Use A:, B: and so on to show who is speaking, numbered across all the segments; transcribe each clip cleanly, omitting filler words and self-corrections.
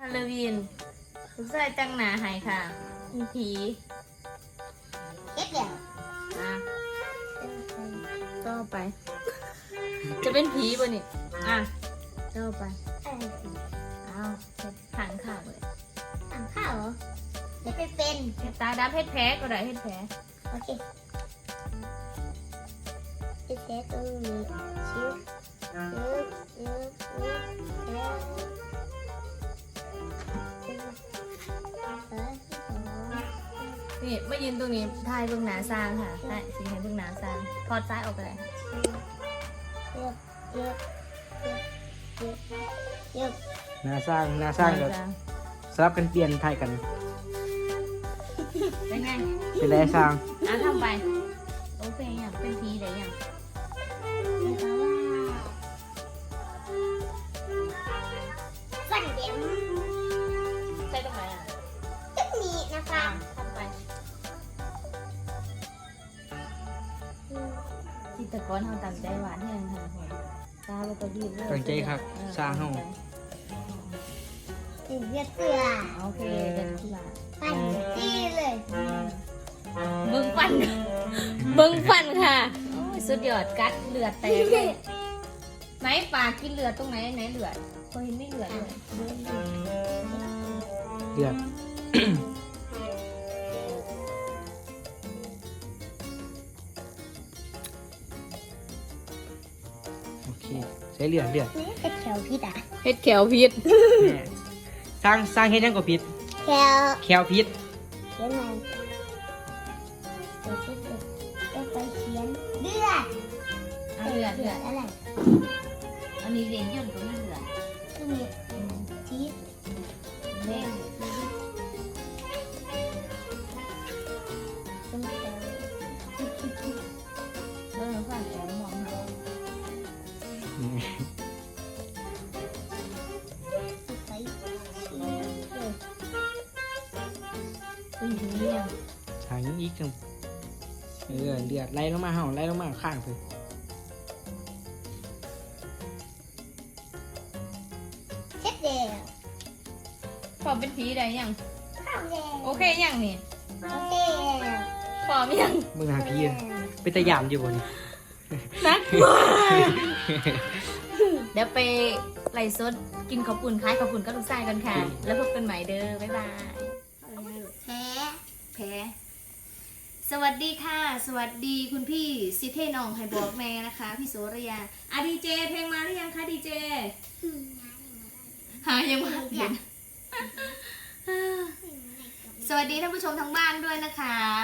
A: ลโลวีนลูกชายจังหนาหายค่ะมีผี
B: เฮ็ดเดี๋ยว
A: อ่ะต่อไป จะเป็นผีป่ะนี่อ่ะต่อไปเอาเฮ็ดขังข่าวเลย
B: อ่านข้าวเหรอเดี๋ยวไปเป็น
A: เฮ็ดตาดำเฮ็ดแผลก็ได้เฮ็ดแผล
B: โอเคเฮ็ดแค่ตรงนี้ชิวแล้ว
A: นี่มายืนตรงนี้ทายเบื้องหน้าซางค่ะใช่สีเห็นเบื้องหน้าซางทอดซ้ายออกไปเลยค่ะ
B: เยอะ
C: หน้าสร้างก็สลับกันเปลี่ยนถ่ายกัน
A: เป็นไง
C: เป็นไรสร้าง
A: อ่ะทำไปโอเคอย่างเป็นผีได้ยัง
B: สั่งเดี๋ยว
A: ใส่ตรงไหนอ่ะ
B: จะมีนะคะ
A: ทำไปจิตรกรทำตามใจหวานให้ยังค่ะตาเราก็ดีเลย
C: ตั้งใจครับสร้างเฮา
B: ถึงจะเกลือ
A: โอเคเด็ดที่ละ
B: ปั่นจี้เลย
A: เบิ้งฟันเบิ้งฟันค่ะโอ้ยสุดยอดกัดเลือดแตกเลยไหนปากกินเลือดตรงไหนไหนเลือดพอเห็นไม่เลือดเลย
C: เดือด โอเคใช้เลือด
B: นี่จะแขวพิษอ่ะ
A: เฮ็ดแขวพิษ
C: แม่สร้างเฮ็ดยังก็ผิด
B: แขว
C: แควผิด
B: เขียนอะไรเดี๋ยวจะไปเขียนเลือด
A: เลือด
B: อะไร
A: อันนี้เรียนย่นตรงนี้เลือด
B: ที่มีชีส
A: เล่น
B: เป็นแขว
A: ฟันแขวมองค่ะ
B: ใส่ชีสเลย
A: เป็นผีเนี่ย
C: ทางนี้อีกจังเลือดไหลลงมาเห่าไหลลงมาข้างไป
B: เช็ดเดียว
A: พอเป็นผีได้ยัง
B: ข้าวแดง
A: โอเคยังนี่
B: โอเค
A: พร้อมยัง
C: มึงหาพี่เป็นตะยามอยู่บน
A: นักเดี๋ยวไปไล่สดกินข้าวปุ่นคล้ายข้าวปุ่นก็ลูกไส้กันค่ะ แล้วพบกันใหม่เด้อ บ๊ายบาย
B: แพ้
A: แพ้สวัสดีค่ะ สวัสดีคุณพี่ซิเทนองไฮบอกแม่นะคะ พี่โสระยาดีเจเพลงมาหรือยังคะดีเจหายังมาเปลี่ยนสวัสดีท่านผู้ชมทางบ้านด้วยนะคะ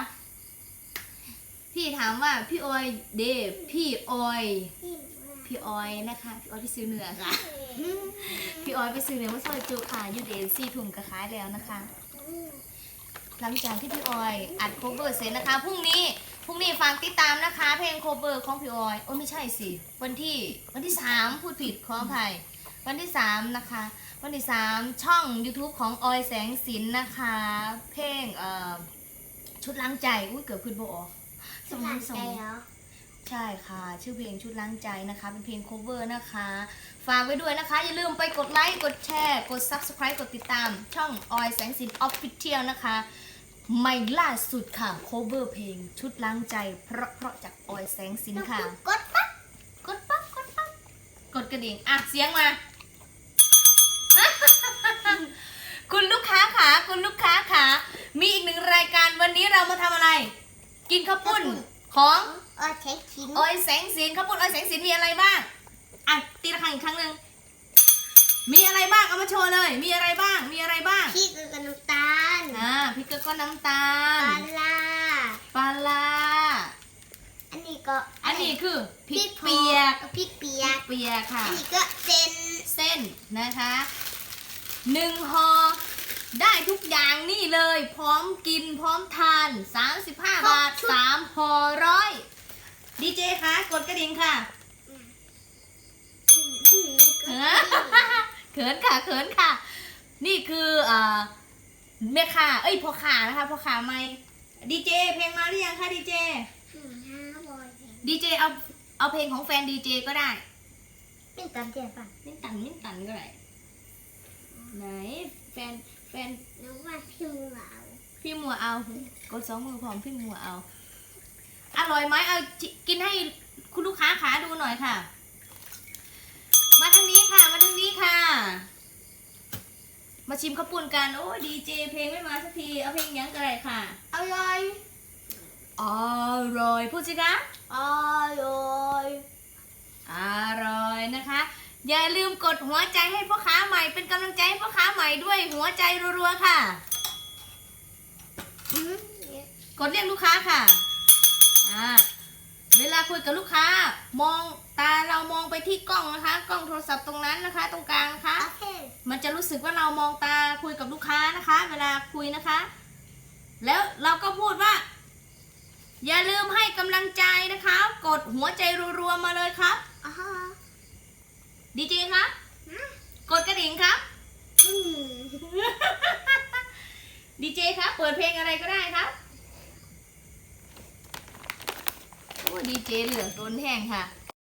A: พี่ถามว่าพี่ออยเดพี่ออยนะคะพี่ออยไปซื้อเนื้อค่ะ พี่ออยไปซื้อเนื้อมาซอยจุค่ะยูเดนซี่ถุงกระขายแล้วนะคะ หลังจากที่พี่ออยอัดโคเวอร์เสร็จนะคะพรุ่งนี้ฟังติดตามนะคะ เพลงโคเวอร์ของพี่ออยโอ้ไม่ใช่สิวันที่3พูดผิดขออภัยวันที่3นะคะวันที่3ช่อง YouTube ของออยแสงสินนะคะ เพลงชุดล้างใจอุ้ยเกือบขึ้นโบออก
B: สมองใจเหรอ
A: ใช่ค่ะชื่อเพลงชุดล้างใจนะคะเป็นเพลง cover นะคะฝากไว้ด้วยนะคะอย่าลืมไปกดไลค์กดแชร์กด subscribe กดติดตามช่องออยแสงสิน official นะคะใหม่ล่าสุดค่ะ cover เพลงชุดล้างใจเพราะจากออยแสงสินค่ะ
B: กดปั๊บ
A: กดปั๊บกดกระดิ่งอ่ะเสียงมา คุณลูกค้าขามีอีกหนึ่งรายการวันนี้เรามาทำอะไร กินข้าวปุ้นของ
B: เช็คชิ้น
A: ออยแสงสินข้าวปุ้นออยแสงสินมีอะไรบ้างอ่ะตีละครั้งอีกครั้งหนึ่งมีอะไรบ้างเอามาโชว์เลยมีอะไรบ้าง
B: พริกกับน้ำตาล
A: พริกก็น้ำตา
B: ป
A: ล
B: ลา
A: ปลาร้า
B: อันนี้ก็
A: อันนี้คือพริกเปียก
B: พริกเปียก
A: ค่ะ
B: อันนี้ก็เป็น
A: เส้นนะคะ1ห่อได้ทุกอย่างนี่เลยพร้อมกินพร้อมทาน35 บาท3ห่อ100ดีเจคะกดกระดิ่งค่ะ เขินค่ะ นี่คือแม่ค้าพ่อค้านะคะพ่อค้าไม่ดีเจเพลงมาหรือยังคะดีเจเอาเพลงของแฟนดีเจก็ได้
B: เป็นตามเจียป่ะ
A: มิ้นตันก็ได้ไหนแฟน
B: น้องว่าพี่มือเอา
A: พี่มัวเอากด2 มือพร้อมพี่มัวเอา อร่อยไหมเอากินให้คุณลูกค้าขาดูหน่อยค่ะ มาทางนี้ค่ะ มาทางนี้ค่ะ มาชิมข้าวปุ้นกัน โอ้ยดีเจเพลงไม่มาสักที เอาเพลงยังไงค่ะ
B: อร่อย
A: อร่อยพูดสิคะ
B: อร่อย
A: อร่อยนะคะ อย่าลืมกดหัวใจให้พ่อค้าใหม่เป็นกำลังใจให้พ่อค้าใหม่ด้วยหัวใจรัวๆค่ะ กดเรียกลูกค้าค่ะ เวลาคุยกับลูกค้ามองตาเรามองไปที่กล้องนะคะ กล้องโทรศัพท์ตรงนั้นนะคะ ตรงกลางนะคะ
B: โอเค
A: มันจะรู้สึกว่าเรามองตาคุยกับลูกค้านะคะ เวลาคุยนะคะ แล้วเราก็พูดว่า อย่าลืมให้กำลังใจนะคะ กดหัวใจรัวๆมาเลยครับ
B: อ๋อ
A: ดีเจครับ กดกระดิ่งครับ
B: อืม
A: ดีเจครับ เปิดเพลงอะไรก็ได้ครับ โอ้ดีเจเหลือล้นแห้งค่ะ